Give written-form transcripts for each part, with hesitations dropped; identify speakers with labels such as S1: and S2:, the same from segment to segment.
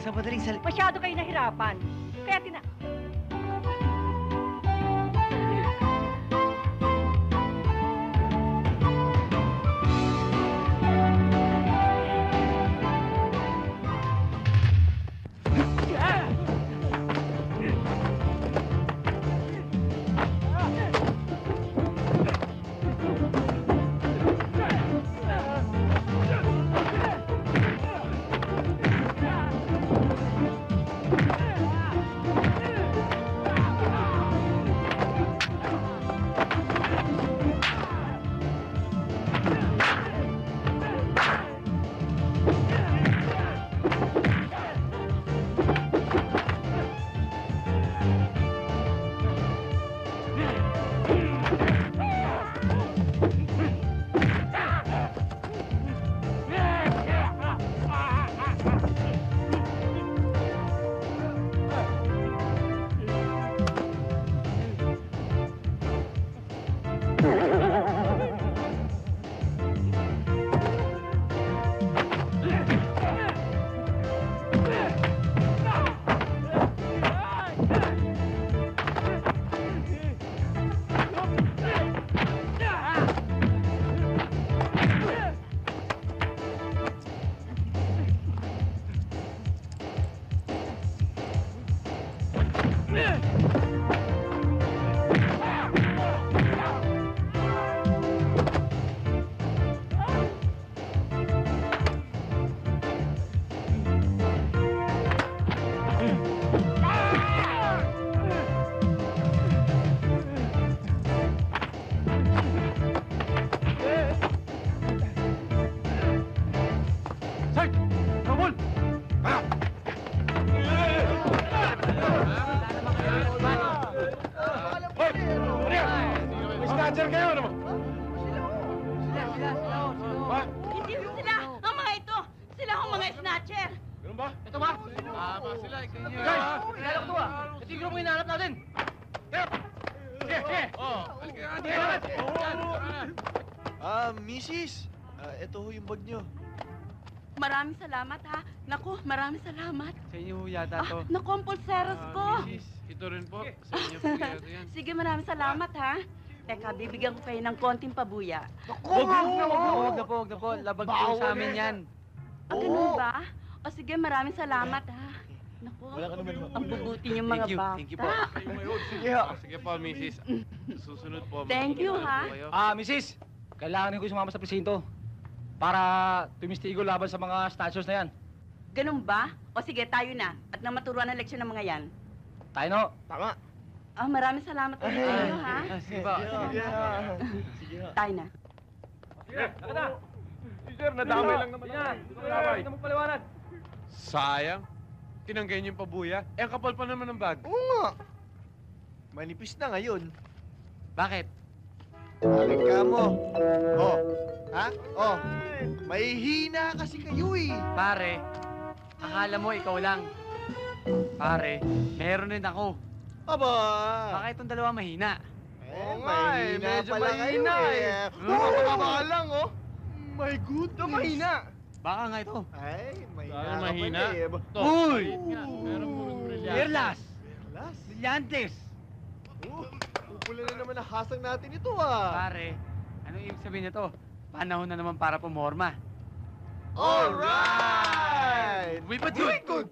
S1: Sa madaling
S2: Masyado kayo nahirapan. Kaya
S3: Snatcher kayo, ano mo?
S4: Sila. Hindi sila ang mga ito. Sila ang mga snatcher.
S3: Ganun ba?
S5: Ito ba? Tama sila, ikaw nyo.
S3: Guys!
S5: Kilala ko to ah. Katigro mo hinahanap natin.
S3: Sige, sige!
S5: Oo. Halika nga dito.
S1: Mrs. Ito ho yung bag nyo.
S4: Maraming salamat ha. Naku, maraming salamat.
S5: Sa inyo ho yata to.
S4: Naku, ang pulseros ko.
S5: Mrs. Ito rin po. Sa inyo po yata yan.
S4: Sige, maraming salamat ha. Teka, bibigyan ko kayo ng konting pabuya.
S5: Huwag na po. Labag po sa amin yan.
S4: Ganun ba? O sige, maraming salamat ha. Naku,
S1: Wala ka naman ho.
S4: ang bubuti niyong mga bata.
S5: Thank you po.
S1: Sige ho.
S5: Sige po, Mrs. Susunod po.
S4: Thank you, ha?
S6: Mrs. Kailangan ko sumama sa presinto para tumistigo laban sa mga statues na yan.
S4: Ganun ba? O sige, tayo na. At nang maturuan ng leksyon ng mga yan.
S6: Tayo no?
S1: Tama.
S4: Maraming salamat ulit sa inyo, ha?
S5: Sige po.
S1: Sige ho.
S4: Tayo na.
S3: Sir, nadamay lang naman.
S6: Hindi mo paliwanag.
S3: Sayang. Tinanggay niyo yung pabuya. Eh, ang kapal pa naman ng bag.
S1: Oo nga. Manipis na ngayon.
S5: Bakit?
S1: Balik ka mo. Oh. Ha? Oh. Mahihina kasi kayo eh.
S5: Pare, akala mo ikaw lang. Pare, meron din ako.
S1: Aba.
S5: Baka itong dalawa mahina.
S1: Oo
S3: nga eh, medyo mahina eh.
S1: Baka lang oh. My goodness.
S3: Mahina.
S5: Baka nga ito.
S1: Ay, mahina
S3: Dahil
S1: ka
S3: mahina.
S1: pala eh.
S5: Uy!
S3: Meron po
S6: Perlas!
S1: Las.
S6: Brillantes!
S1: Pupula na naman ang hasang natin ito ah.
S5: Pare, ano ibig sabihin nito? Panahon na naman para pumorma.
S1: Alright!
S5: Uy, ba't
S1: Very good!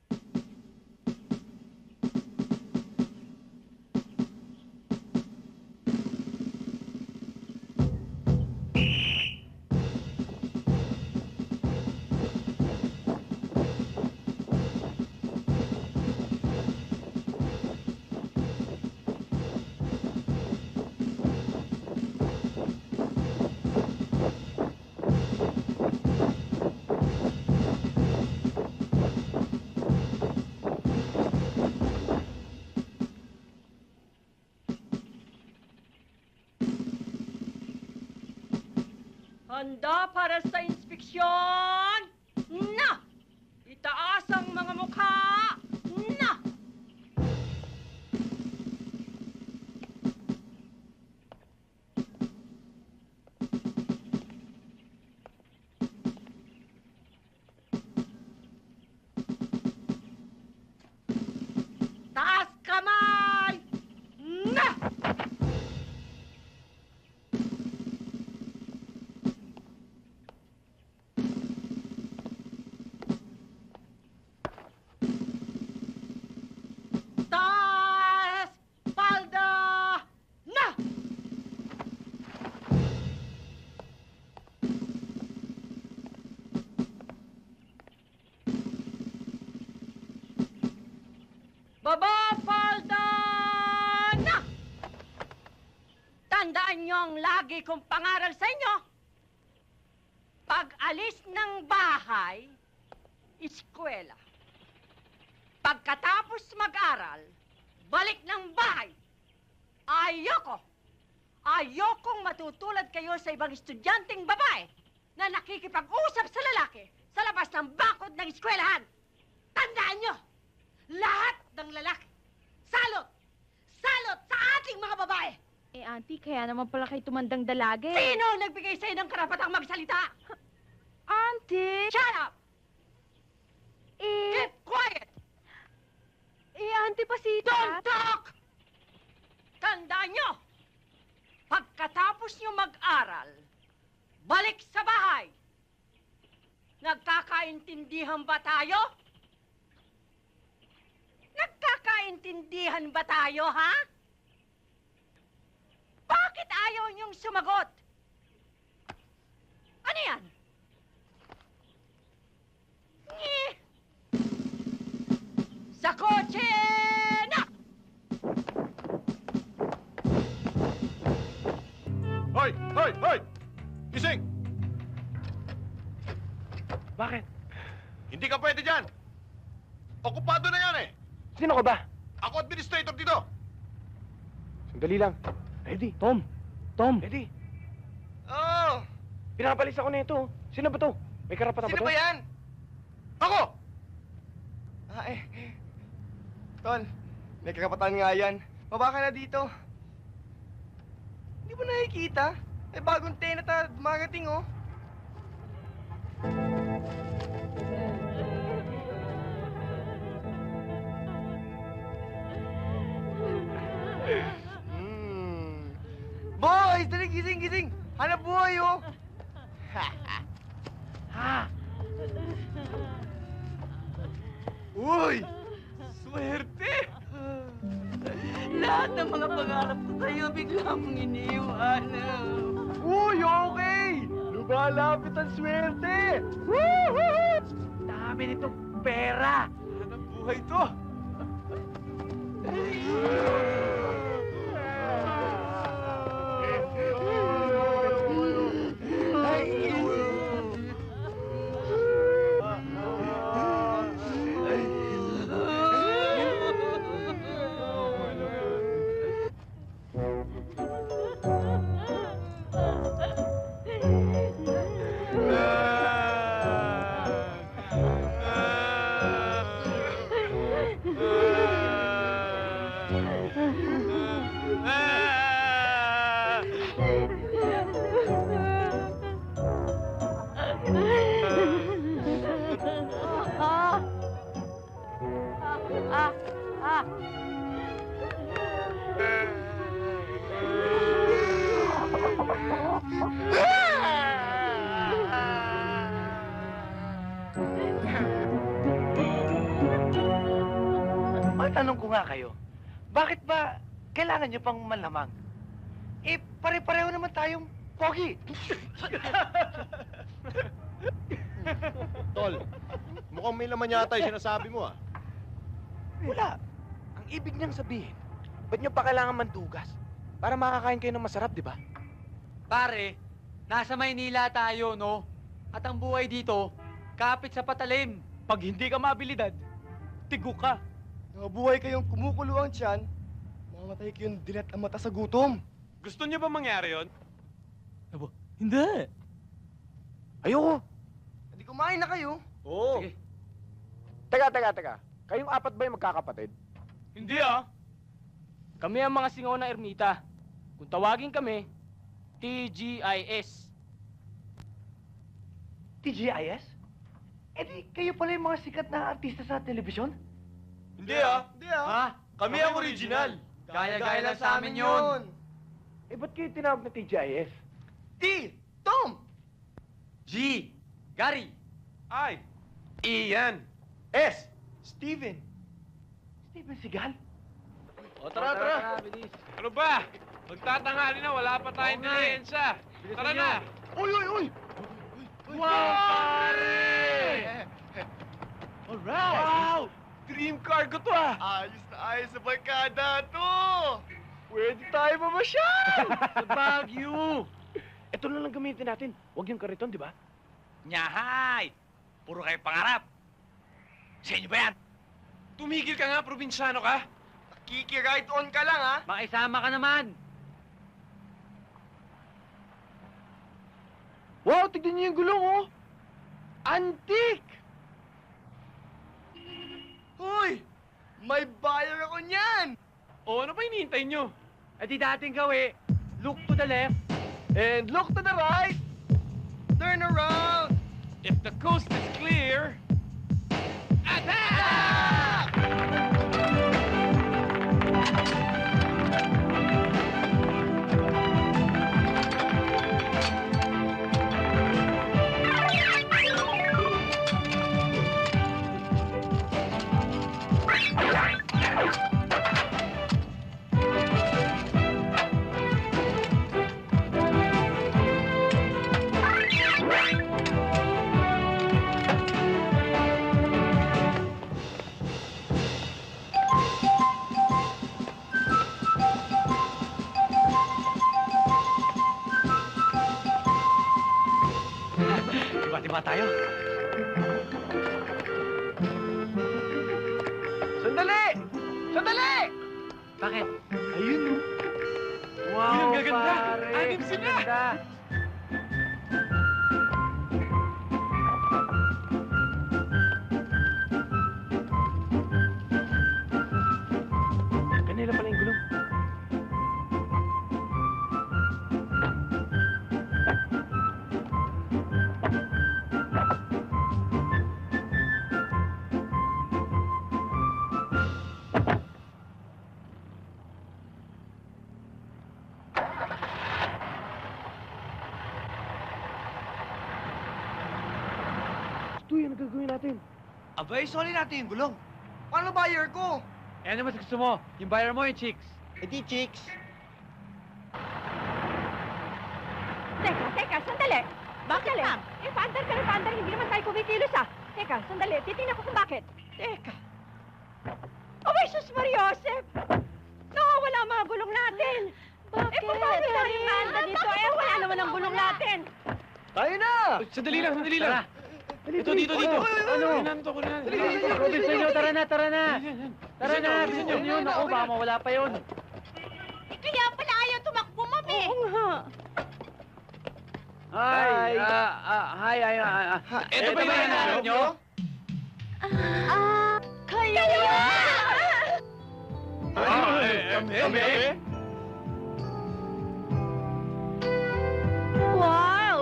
S2: Handa para sa inspeksyon! Na! Itaas ang mga mukha! Na! Baba, palda na! Tandaan niyo ang lagi kong pangaral sa inyo. Pag alis ng bahay, eskwela. Pagkatapos mag-aral, balik ng bahay. Ayokong matutulad kayo sa ibang estudyanteng babae na nakikipag-usap sa lalaki sa labas ng bakod ng eskwelahan. Tandaan nyo, lahat ng lalaki, salot sa ating mga babae.
S4: Eh, auntie, kaya naman pala kayo tumandang dalagi.
S2: Sino ang nagbigay sa'yo ng karapatang magsalita?
S4: Auntie!
S2: Shut up!
S4: Eh,
S2: Keep quiet!
S4: auntie pa si...
S2: Don't talk! Tandaan nyo, pagkatapos nyo mag-aral, balik sa bahay. Nagkakaintindihan ba tayo? Nagkakaintindihan ba tayo, ha? Bakit ayaw niyong sumagot? Ano yan? Eh. Sa kotse na!
S1: Hoy! Hoy! Hoy! Gising!
S6: Bakit?
S1: Hindi ka pwede dyan! Okupado na yan eh!
S6: Sino ka ba?
S1: Ako administrator dito!
S6: Sandali lang. Ready? Tom! Tom! Ready?
S1: Oh!
S6: Pinapalis ako nito. Sino ba to? May karapatan
S1: Sino ba yan? Ako!
S7: Tol, may kakapatan nga yan. Baba ka na dito. Hindi mo nakikita? May bagong tenant na dumagating, oh. Boys, dali, gising! Hanap buhay, oh.
S1: Uy! Swerte!
S4: Lahat ng mga pangarap ko sa'yo bigla mong iniiwanan.
S7: Uy, okay! Lumalapit ang swerte!
S6: Dami nitong pera!
S1: Hanap buhay to!
S6: Matanong ko nga kayo, bakit ba kailangan nyo pang manlamang? Eh, pare-pareho naman tayong pogi.
S1: Tol, mukhang may laman yata yung sinasabi mo ah.
S6: Wala. Ang ibig niyang sabihin, ba't nyo pa kailangan mandugas? Para makakain kayo ng masarap, di ba?
S5: Pare, nasa Maynila tayo, no? At ang buhay dito, kapit sa patalim.
S6: Pag hindi ka mabilidad, tigo ka.
S7: Nabuhay kayong kumukulo ang tiyan, mamamatay kayong dilat ang mata sa gutom.
S3: Gusto niyo ba mangyari yon?
S6: Hindi. Ayoko.
S7: Hindi kumain na kayo.
S1: Oo.
S5: Sige.
S6: Teka. Kayong apat ba yung magkakapatid?
S3: Hindi ah.
S6: Kami ang mga singaw ng ermita. Kung tawagin kami, TGIS. TGIS? Eh di, kayo pala yung mga sikat na artista sa telebisyon?
S3: Hindi ah.
S7: Hindi ah.
S5: Ha?
S3: Kami ang original.
S5: Gaya-gaya lang sa amin yun.
S6: Eh, ba't kayo tinawag na TGIS?
S7: T. Tom.
S5: G. Gary.
S3: I. Ian.
S7: S. Steven.
S6: Steven Seagal?
S1: O tara.
S6: Bilis.
S3: Ano ba? Magtatanghali na, wala pa tayong
S5: Oo nga eh.
S3: nilihensya. Tara na.
S7: Uy!
S3: Wow, pare!
S6: Alright!
S3: Wow! Dream car ko to ah!
S1: Ayos na ayos sa barkada to! Pwede tayo mamasyal!
S6: Sa Baguio! Ito na lang gamitin natin. Huwag yung kariton, di ba?
S5: Nyahay! Puro kayo pangarap. Sa inyo ba yan?
S3: Tumigil ka nga, probinsyano ka!
S1: Kiki-ride on ka lang, ha?
S5: Makisama ka naman.
S6: Wow, tignan niyo yung gulong, oh! Antique!
S1: Hoy! May buyer ako niyan!
S3: O, ano pa hinihintay nyo?
S5: Eh di dating gawi. Look to the left.
S1: And look to the right! Turn around!
S3: If the coast is clear... Attack!
S5: Diba tayo?
S6: Sandali! Sandali!
S5: Bakit?
S6: Ayun, oh.
S5: Wow,
S3: Yun ang gaganda.
S5: pare.
S3: Anim sila.
S5: Ganda.
S6: Kanila pala yung gulong. Ito yan ang gagawin natin.
S5: Abay, soli natin yung gulong.
S1: Paano buyer ko?
S5: Eh, ano mas gusto mo? Yung buyer mo, yung chicks?
S1: Eh di, chicks.
S2: Teka, sandali. Bakit, ma'am? Eh, paandar ka rin, paandar. Hindi naman tayo kumikilos, ah. Teka, sandali. Titingnan ko kung bakit. Teka. Abay, sus Mariosep! Nakawala ang mga gulong natin. Bakit? Eh, paano tayo maanda dito? Eh, wala naman ang gulong natin.
S1: Tayo na!
S3: Sandali lang, sandali lang.
S5: Tara.
S3: Ito, dito.
S5: Ano?
S3: Kunan to, kunan.
S5: Robinson nyo, tara na. Tara na,
S3: Bilisan nyo.
S5: bilisan nyo. Naku, baka mawala pa yun.
S4: Kaya pala ayaw tumakbo, mami.
S2: Oo nga.
S5: Hi.
S3: Ito ba yung hinahanap nyo?
S4: Kayo!
S3: Kami?
S4: Wow!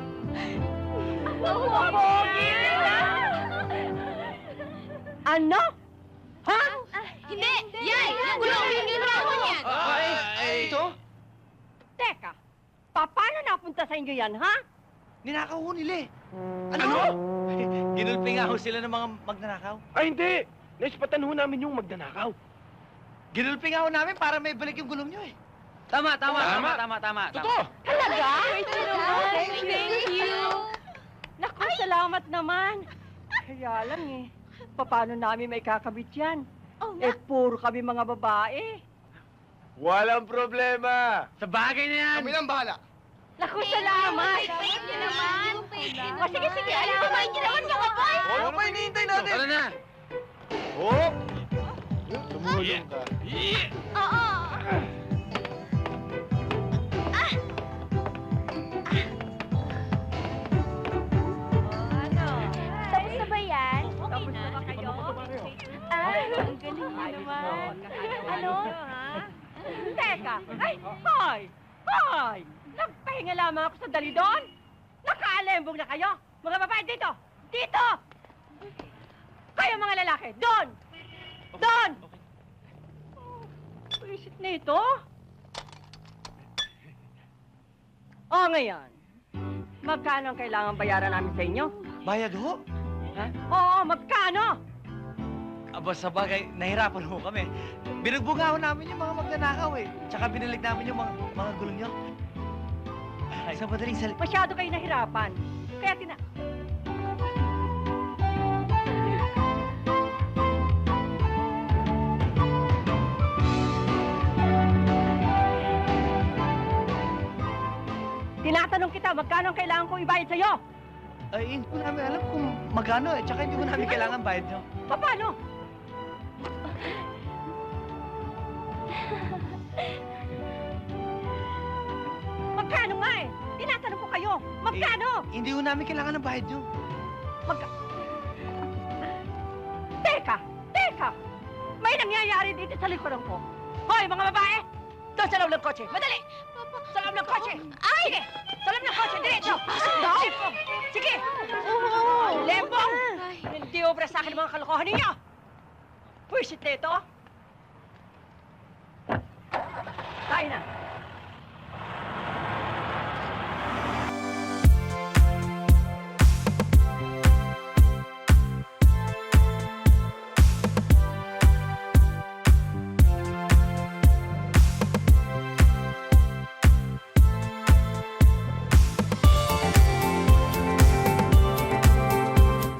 S4: Ang pogi nila!
S2: Ano? Ha?
S4: Hindi! Yan! Gulong hinirawan yan!
S1: Ito?
S2: Teka, paano napunta sa inyo yan, ha?
S5: Ninakaw ho nila eh.
S1: Ano?
S5: Ginulpi nga ho sila ng mga magnanakaw.
S6: Ay, hindi! Naispatan ho namin yung magnanakaw.
S5: Ginulpi nga ho namin para may balik yung gulong nyo eh. Tama.
S3: Totoo!
S2: Talaga?
S4: Thank you!
S2: Naku, salamat naman. Kaya lang eh, paano namin may kakabit yan?
S4: Oh,
S2: Eh, puro kami mga babae.
S1: Walang problema!
S5: Sa bagay na yan.
S1: Kami nang bahala.
S2: Naku, salamat.
S4: Thank you naman!
S2: O, sige, alam mo ba?
S4: Thank you naman mga boy!
S1: Ano pa hinihintay natin?
S5: Tara na.
S1: Oh! Tumulong ka.
S4: Oo!
S2: Ano?
S4: Tapos na ba yan?
S2: Tapos na ba kayo?
S4: Ang galing mo naman.
S2: Ano? Teka, ay, hoy! Hoy! Nagpahinga lamang ako sa dali doon? Nakaalembong na kayo? Mga babae dito! Dito! Kayo mga lalaki, doon! Doon! Wisit na ito? O ngayon, magkano ang kailangan bayaran namin sa inyo?
S5: Bayad ho?
S2: Oo, magkano?
S5: Aba, sa bagay, nahirapan ho kami. Binugbunga ho namin yung mga magnanakaw eh. Tsaka binilig namin yung mga gulong nyo. Sa madaling salita.
S2: Masyado kayo nahirapan. Kaya Tinatanong kita, magkano ang kailangan kong ibayad sa'yo?
S5: Ay, hindi ko namin alam kung magkano eh. Tsaka hindi ko namin kailangan bayad nyo.
S2: Paano? Magkano nga eh? Tinatanong ko kayo, magkano?
S5: Hindi ko namin kailangan ng bayad nyo.
S2: Teka! May nangyayari dito sa likuran ko. Hoy, mga babae! Doon sa loob ng kotse! Madali! Sa loob ng kotse! Ay! Sige! Sa loob ng kotse! Diretso! Lembong! Sige! Lembong! Hindi obra sa akin ang mga kalokohan ninyo! Pwisit na ito! Tayo na!